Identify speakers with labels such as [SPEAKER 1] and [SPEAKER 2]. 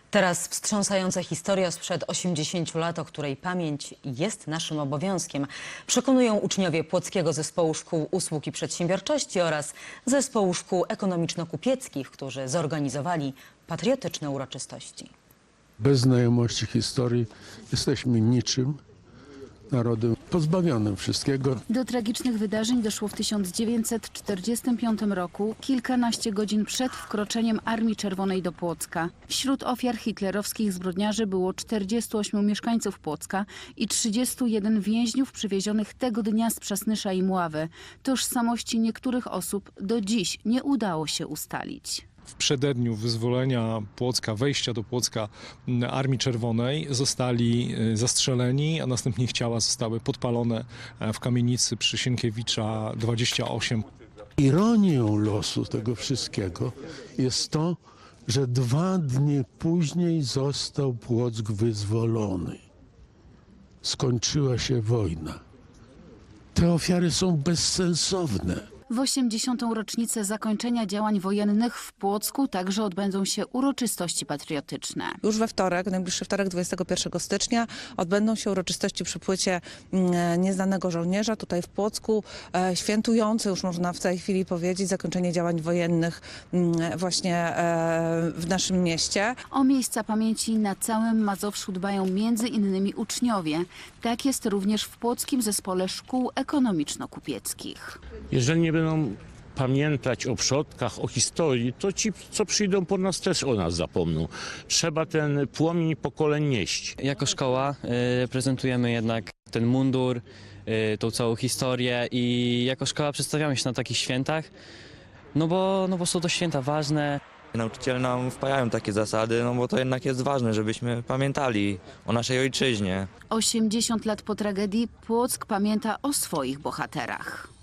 [SPEAKER 1] Teraz wstrząsająca historia sprzed 80 lat, o której pamięć jest naszym obowiązkiem, przekonują uczniowie Płockiego Zespołu Szkół Usług i Przedsiębiorczości oraz Zespołu Szkół Ekonomiczno-Kupieckich, którzy zorganizowali patriotyczne uroczystości.
[SPEAKER 2] Bez znajomości historii jesteśmy niczym, narodem pozbawionym wszystkiego.
[SPEAKER 3] Do tragicznych wydarzeń doszło w 1945 roku, kilkanaście godzin przed wkroczeniem Armii Czerwonej do Płocka. Wśród ofiar hitlerowskich zbrodniarzy było 48 mieszkańców Płocka i 31 więźniów przywiezionych tego dnia z Przasnysza i Mławy. Tożsamości niektórych osób do dziś nie udało się ustalić.
[SPEAKER 4] W przededniu wyzwolenia Płocka, wejścia do Płocka Armii Czerwonej zostali zastrzeleni, a następnie ich ciała zostały podpalone w kamienicy przy Sienkiewicza 28.
[SPEAKER 2] Ironią losu tego wszystkiego jest to, że 2 dni później został Płock wyzwolony. Skończyła się wojna. Te ofiary są bezsensowne.
[SPEAKER 3] W 80. rocznicę zakończenia działań wojennych w Płocku także odbędą się uroczystości patriotyczne.
[SPEAKER 5] Już we wtorek, najbliższy wtorek, 21 stycznia, odbędą się uroczystości przy płycie Nieznanego Żołnierza tutaj w Płocku, świętujące, już można w tej chwili powiedzieć, zakończenie działań wojennych właśnie w naszym mieście.
[SPEAKER 3] O miejsca pamięci na całym Mazowszu dbają między innymi uczniowie. Tak jest również w Płockim Zespole Szkół Ekonomiczno-Kupieckich.
[SPEAKER 6] Jeżeli nie będą pamiętać o przodkach, o historii, to ci, co przyjdą po nas, też o nas zapomną. Trzeba ten płomień pokoleń nieść.
[SPEAKER 7] Jako szkoła prezentujemy jednak ten mundur, tą całą historię i jako szkoła przedstawiamy się na takich świętach, no bo są to święta ważne.
[SPEAKER 8] Nauczyciele nam wpajają takie zasady, no bo to jednak jest ważne, żebyśmy pamiętali o naszej ojczyźnie.
[SPEAKER 3] 80 lat po tragedii Płock pamięta o swoich bohaterach.